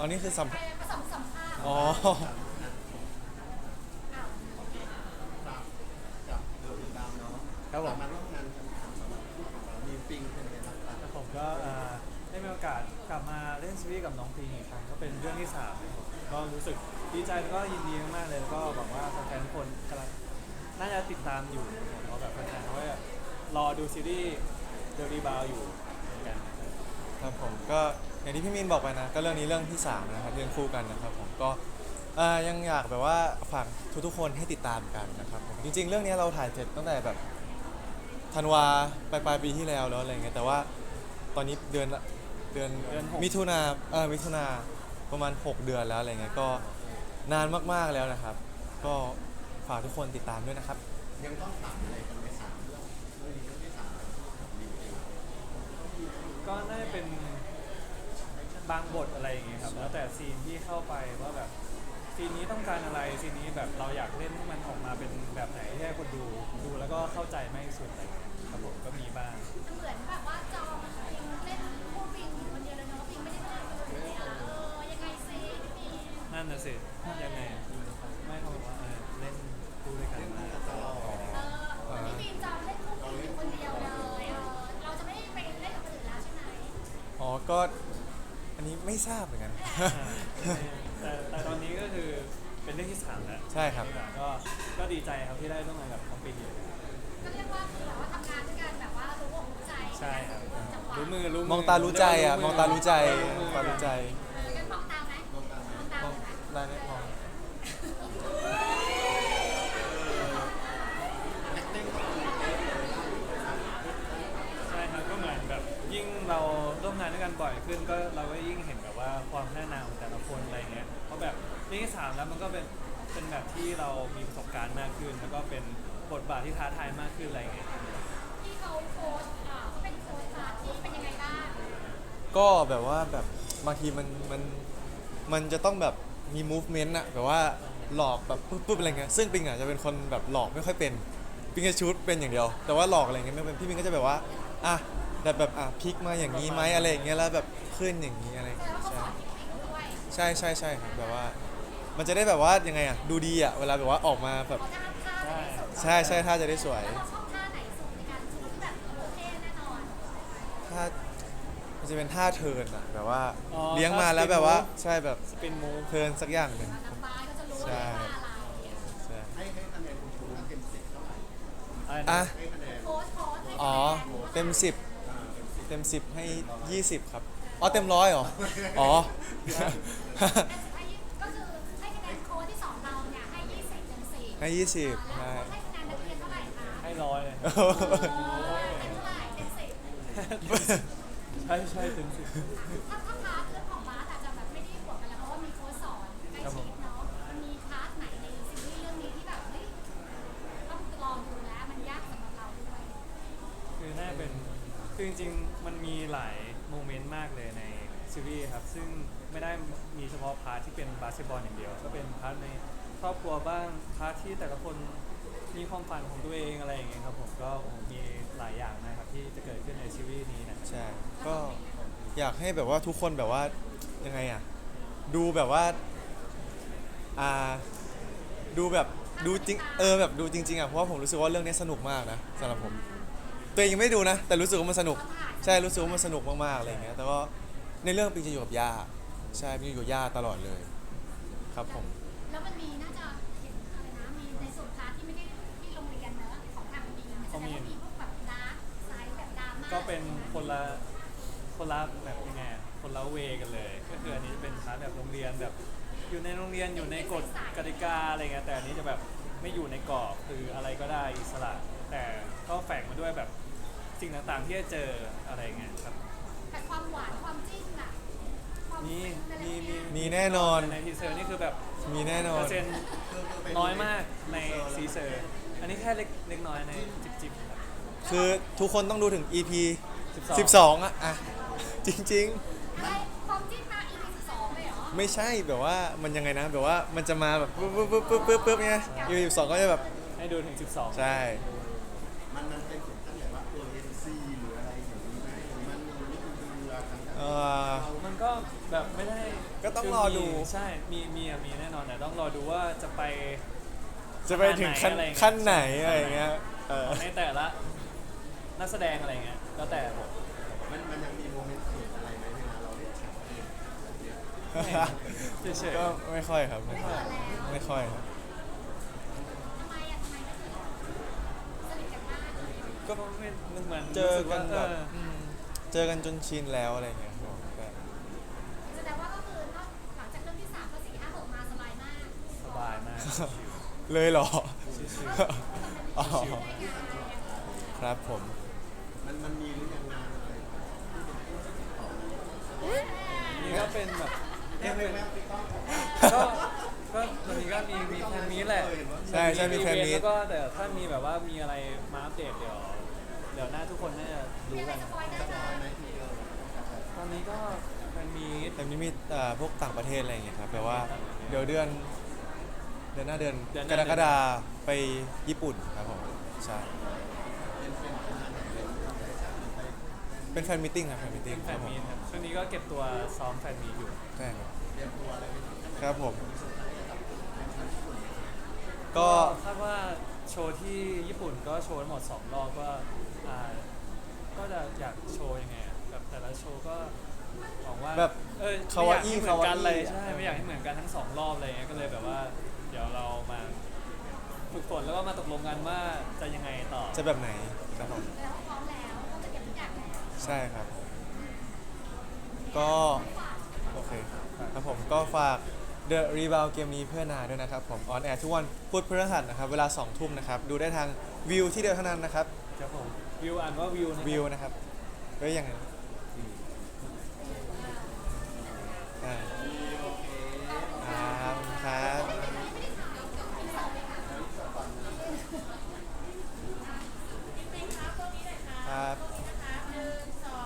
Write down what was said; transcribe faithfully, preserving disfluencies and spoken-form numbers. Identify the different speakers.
Speaker 1: อันนี้คือสัมภาษณ์
Speaker 2: ผสมสัมภาษณ์
Speaker 1: อ๋อ
Speaker 2: อ้าว
Speaker 3: ครับกับเดอะวินดาวเนาะ
Speaker 4: ครับผม
Speaker 3: มาร่วมงานกันสำหรับคู่ของเรามีปิงเป็นไงบ้างครับ
Speaker 4: แล้วผมก็เอ่อได้มีโอกาสกลับมาเล่นซีรีส์กับน้องพีอีกครั้งก็เป็นเรื่องที่สามเลยครับก็รู้สึกดีใจแล้วก็ยินดีมากๆเลยแล้วก็หวังว่าแฟนๆทุกคนกำลังน่าจะติดตามอยู่ผมเพราะแบบแฟนๆเขาก็รอดูซีรีส์เดอะรีบาวอยู่เหมือนกันนะครับ
Speaker 1: ครับผมก็อย่างที่พี่มินบอกไปนะก็เรื่องนี้เรื่องที่สามนะครับเรื่องคู่กันนะครับผมก็เอ่อยังอยากแบบว่าฝากทุกๆคนให้ติดตามกันนะครับผมจริงๆเรื่องนี้เราถ่ายเสร็จตั้งแต่แบบธันวาปลายปลายปีที่แล้วแล้วอะไรเงี้ยแต่ว่าตอนนี้เดือนเดือน
Speaker 4: เดือนหก
Speaker 1: มิถุนาเออมิถุนาประมาณหกเดือนแล้วอะไรเงี้ยก็นานมากๆแล้วนะครับก็ฝากทุกคนติดตามด้วยนะครับ
Speaker 3: ยังต้องถามอะไรกันในสามเรื่องเรื่องนี้เรื่องที่สามแล้วของดีเอง
Speaker 4: ก็น่าจะเป็นบางบทอะไรอย่างเงี้ยครับแล้วแต่ซีนที่เข้าไปว่าแบบซีนนี้ต้องการอะไรซีนนี้แบบเราอยากเล่นให้มันออกมาเป็นแบบไหนที่ให้คนดูดูแล้วก็เข้าใจมากที่สุดอะไรเงี้ยครับผมก็มีบ้าง
Speaker 2: เหมือนแบบว่าจองปิงเล่นคู่ปิงอยู่คนเดียวเลยเนาะปิงไม่ได้เล่นคนเดียวเออยังไงซิพี่ปิง
Speaker 4: นั่นน่ะสิยังไงไม่เขาบอกว่าเออเล่นดูด้วยกันมาตลอด
Speaker 2: เออพี่ปิงจองเล่นคู่ปิงอยู่คนเดียวเลยเออเราจะไม่ไปเล่นกับคนอื่นแล้วใช่ไหม
Speaker 1: อ๋อก็อันนี้ไม่ทราบเหมือนกัน
Speaker 4: แต่แต่ตอนนี้ก็คือเป็นเรื่องที่สามแล้ว
Speaker 1: ใช่ครับ
Speaker 4: ก็ก็ดีใจครับที่ได้ร่วมงานกับน้องปิงอยู่
Speaker 2: ก็เรียกว่าคือแบบว่าทำงานด้วยกันแบบว่ารู้อกรู้ใจ
Speaker 4: ใช่ครับ
Speaker 2: จังหวะ
Speaker 4: รู้มือรู้มื
Speaker 1: มองตารู้ใจอ่ะมองตารู้ใจ
Speaker 4: รู้
Speaker 1: ม
Speaker 4: มื
Speaker 1: องตารู้ใจ
Speaker 2: เออกันมองตามไหมมองตามมองตาม
Speaker 1: มอง
Speaker 2: ไหม
Speaker 1: ได้ไหมมอง
Speaker 4: ใช่ครับก็เหมือนแบบยิ่งเราร่วมงานด้วยกันบ่อยขึ้นก็เราก็ยิ่งเห็นแบบว่าความแน่นอนของแต่ละคนอะไรเงี้ยเพราะแบบเรื่องที่สามแล้วมันก็เป็นเป็นแบบที่เรามีประสบการณ์มากขึ้น แล้วก็เป็นบทบาทที่ท้าทายมากขึ้นอะไรเงี้ย
Speaker 2: ที่เขาโพสต์อ่าเขาเป็นโพสต์พาร์ทที่เป็นยังไงบ้าง
Speaker 1: ก็แบบว่าแบบบางทีมันมันมันจะต้องแบบมี movement อะแบบว่าหลอกแบบปุ๊บปุ๊บอะไรเงี้ยซึ่งปิงอะจะเป็นคนแบบหลอกไม่ค่อยเป็นปิงจะชูดเป็นอย่างเดียว แต่ว่าหลอกอะไรเงี้ยไม่เป็นพี่ปิงก็จะแบบว่าอ่ะแบบแบบอ่ะพลิกมาอย่างนี้ไหมอะไรอย่างเงี้ยแล้วแบบขึ้นอย่างนี้อะไร
Speaker 2: แสด
Speaker 1: เงี้
Speaker 2: ง
Speaker 1: ย
Speaker 2: ว่าเขา
Speaker 1: ใช่
Speaker 2: สอนเทคนิคด้วย
Speaker 1: ใช่ใช่ใช่ครับแบบว่า มันจะได้แบบว่ายังไงอะดูดีอะเวลาแบบว่าออกมาแบบ
Speaker 2: เขาท่าท่าจะได้สุด
Speaker 1: ใช่ใช่ถ้าจะได้สวย
Speaker 2: แล้วเราชอบท่าไหนสุดในการชูที่แบบโอเคแน่นอน
Speaker 1: ถ้ามันจะเป็นท่าเทิร์นอะแบบว่า
Speaker 4: อ๋อ
Speaker 1: เลี้ยงมา
Speaker 4: ท่า
Speaker 1: แล้ว
Speaker 4: spin
Speaker 1: แบบว่า
Speaker 4: move
Speaker 1: ใช่แบบ
Speaker 4: สปินมูฟ
Speaker 1: เทิร์นสักอย่างหนึ่ง
Speaker 2: นักบาสก็จะรู้เลย
Speaker 1: ใช่
Speaker 2: ว่าอะไร
Speaker 1: ใช่
Speaker 3: ให้ให้คะแนนคุณครูนะเต็มสิบเท่าไหร่
Speaker 4: อะไร
Speaker 1: อ่ะ
Speaker 4: นะ
Speaker 3: ให้คะแนน
Speaker 2: โพสต์โพสต์ให้
Speaker 1: อ๋อ
Speaker 2: คะแนน
Speaker 1: เต็มสิบ
Speaker 3: อ่าเต็มสิบ
Speaker 1: เต็มสิบให้ยี่สิบครับ อ๋อเต็มร้อยเหรอ อ๋อ
Speaker 2: ให้ก็คือให้คะแนนโค้ดที่สอนเราเนี่ยให้ยี่สิบเต็มสิบ
Speaker 1: ให้ยี่สิบ
Speaker 2: แล้ว
Speaker 1: ใช่
Speaker 2: โค้ดให้คะแนนนักเรียนเท่าไหร่คะ
Speaker 4: ให้ร้อยเลย
Speaker 2: เออเต็มเท่าไหร่เต็มสิบ
Speaker 4: ใช่ใช่ถึงสิบ
Speaker 2: ถ้าถ้าพาร์ทเรื่องของบาสอาจจะแบบไม่ได้บวกกันแล้วเพราะว่ามีโค้ชสอนใกล้ชิดเนาะมันมีพาร์ทไหนในซีรีส์เรื่องนี้ที่แบบเฮ้ยต้องลองดูแล้วมันยากสำหรับเราด้วย
Speaker 4: คือน่าเป็นคือจริงๆมันมีหลายโมเมนต์มากเลยในซีรีส์ครับซึ่งไม่ได้มีเฉพาะพาร์ทที่เป็นบาสเกตบอลอย่างเดียวก็เป็นพาร์ทในครอบครัวบ้างพาร์ทที่แต่ละคนมีความฝันของตัวเองอะไรอย่างเงี้ยครับผมก็โอ้โหมีหลายอย่างนะครับที่จะเกิดขึ้นในซีรีส์นี้นะ
Speaker 1: ใช่ ก็อยากให้แบบว่าทุกคนแบบว่ายังไงอ่ะ ดูแบบว่า อ่า ดูแบบดูจริง เออแบบดูจริงๆอ่ะ เพราะว่าผมรู้สึกว่าเรื่องนี้สนุกมากนะสำหรับผม ตัวเองยังไม่ได้ดูนะ แต่รู้สึกว่ามันสนุก ใช่ รู้สึกว่ามันสนุกมากๆอะไรอย่างเงี้ย แต่ก็ในเรื่องปิงจะอยู่กับย่า ใช่ปิงอยู่กับย่าตลอดเลย ครับผม
Speaker 2: แล้วมันมีน่าจะเห็นอะไรนะมีในส่วนพาร์ทที่ไม่ได้ที่โรงเรียนเนอะของทางบีมแสดงว่ามีพวกแบบดาร์กไซด์แบบดราม่า
Speaker 4: ก็เป็นคนละคนละแบบยังไงอะคนละเวกันเลย ก็คืออันนี้จะเป็นพาร์ทแบบโรงเรียนแบบอยู่ในโรงเรียนอยู่ในกฎกติกาอะไรเงี้ยแต่อันนี้จะแบบไม่อยู่ในกรอบคืออะไรก็ได้อิสระ แต่ก็แฝงมาด้วยแบบสิ่งต่างๆที่จะเจออะไรเงี้ยครับ
Speaker 2: แต่ความหวานความจิ้นอะความ
Speaker 4: มี
Speaker 2: ฟินอะไร
Speaker 4: มี
Speaker 2: เงี้ย
Speaker 1: มีแน่นอน
Speaker 4: ในทีเซอร์นี่คือแบบ
Speaker 1: มีแน่นอ
Speaker 4: เปอน ร์เซ็นต์น้อยมากในทีเซอร์ อันนี้แค่เล็กเล็กน้อยในจิบๆครับ
Speaker 1: คือทุกคนต้องดูถึง อี พี
Speaker 4: สิบสอง
Speaker 1: สิบสองอ่ะอ่ะ จริง
Speaker 2: อะไรความจิ้นมา อี พี สิบสองเลยเหรอ
Speaker 1: ๆ ไม่ใช่แบบว่ามันยังไงนะ แบบว่ามันจะมาแบบปุ๊บปุ๊บปุ๊บปุ๊บปุ๊บปุ๊บเนี่ย อี พี สิบสองก็จะแบบ
Speaker 4: ให้ดูถึงสิบสอง
Speaker 1: ใช่
Speaker 3: มันมันเป็นถึงขั้นแบบว่าตัวเอ็นซีหรืออะไรอย่างนี้ไหมหรือมันมันนี่คือเรือกัน
Speaker 1: เอเอ่อ
Speaker 4: มันก็แบบไม่ได้
Speaker 1: ก็ต้องรอดู
Speaker 4: คืมีใช่มีมีอะมีแน่นอนแต่ต้องรอดูว่าจะไป
Speaker 1: จะไปถึงขั้น
Speaker 4: อะไรอย่างเงี้ย
Speaker 1: ขั้นไหนอะไรอย่างเงี้ยเออ
Speaker 4: ในแต่ละนักแสดงอะไรเงี้ยแล้วแต่บท
Speaker 3: มันมันยังมีโมเมนต์เขินอะไรไหมเวลาเราเล่นฉากเองแบบเนี้ย
Speaker 4: เฉย
Speaker 1: ก็ไม่ค่อยครับไม่ค่อยไม่ค่อยครับ
Speaker 2: ทำไมอะทำไมก็คือสนิทกันมากเลย
Speaker 4: ๆก็ไม่เหมือน
Speaker 1: เจอกัน
Speaker 4: รู้สึ
Speaker 1: แบบ
Speaker 4: ว่าเออ
Speaker 1: อืมเจอกันจนชินแล้วอะไรอย่างเงี้ยครับก็
Speaker 2: แสดงว่าก็คือนอกหลังจากเรื่องที่สามก็สี่ห้าหกมาสบายมาก
Speaker 4: สบายมากชิล
Speaker 1: เลยเหรอ
Speaker 4: ชิล
Speaker 1: อ๋อครับผม
Speaker 3: มันมันมีหรือยังงานอะไรที่เป็นต่อ
Speaker 4: ๆนี่ก็เป็นแบบ
Speaker 3: แม่แม่แม่ติ๊กต้อง
Speaker 4: ก็ก็ตอนนี้ก็มีมีแฟนมีตแหละ
Speaker 1: ใช่ใช่มีแฟนมีต
Speaker 4: แล้วก็แต่ถ้ามีแบบว่ามีอะไรมาอัปเดตเดี๋ยวเดี๋ยวหน้าทุกคนน่าจะรู้
Speaker 2: ยังไง
Speaker 4: กัน
Speaker 2: สปอยได้
Speaker 3: ส
Speaker 2: เล
Speaker 3: ปอย
Speaker 2: ย
Speaker 3: ไหมทีเดียว
Speaker 4: ตอนนี้ก็แฟนมีต
Speaker 1: แต่นี้มีเอ่อพวกต่างประเทศอะไรอย่างเงี้ยครับแปลว่าเดี๋ยวเดือนเดือนหน้าเดือน
Speaker 4: เดือนห
Speaker 1: ก
Speaker 4: น้าร
Speaker 1: กฎาไปญี่ปุ่นครับผมใช่เป็นแฟนมิทติ้งครับแฟนมิทติ้
Speaker 4: เป็
Speaker 1: ง
Speaker 4: นแฟ
Speaker 1: ครับ
Speaker 4: น
Speaker 1: ผม
Speaker 4: มีตครับช่วงนี้ก็เก็บตัวซ้อมแฟนมีตอยู่
Speaker 1: ใช่ครับ
Speaker 3: เตรียมตัวอะไรไปถึง
Speaker 1: ครับผม
Speaker 4: ก็
Speaker 1: ก็
Speaker 4: คาดว่าโชว์ที่ญี่ปุ่นก็โชว์ทั้งหมดสองรอบก็อ่าก็จะอยากโชว์ยังไงอะแบบแต่ละโชว์ก็หวังว่า
Speaker 1: แบบ
Speaker 4: เออ
Speaker 1: คาวา
Speaker 4: ไม่
Speaker 1: อี้
Speaker 4: อยากให้เหมือนกันเลย
Speaker 1: คาวาอี้
Speaker 4: ใช่ไม่อยากให้เหมือนกันทั้งสองรอบอะไรเงี้ยก็เลยแบบว่า เดี๋ยวเรามาฝึกฝนแล้วก็มาตกลงกันว่าจะยังไงต่อ
Speaker 1: จะแบบไหนครับผม
Speaker 2: แล้วพร้อมแล้วก็จะเก็บทุกอย่างแล้ว
Speaker 1: ใช่ครับ ก็โอเคครับผมก็ฝาก The Rebound เกมนี้เพื่อนาด้วยนะครับผมออนแอร์ทุกวันพุธพฤหัสนะครับเวลาสองทุ่มนะครับดูได้ทางวิวที่เดียวเท่านั้นนะครับ
Speaker 4: ครับผมวิวอ่านว่าวิวนะครับ
Speaker 1: วิวนะครับก็ยังไงอ่า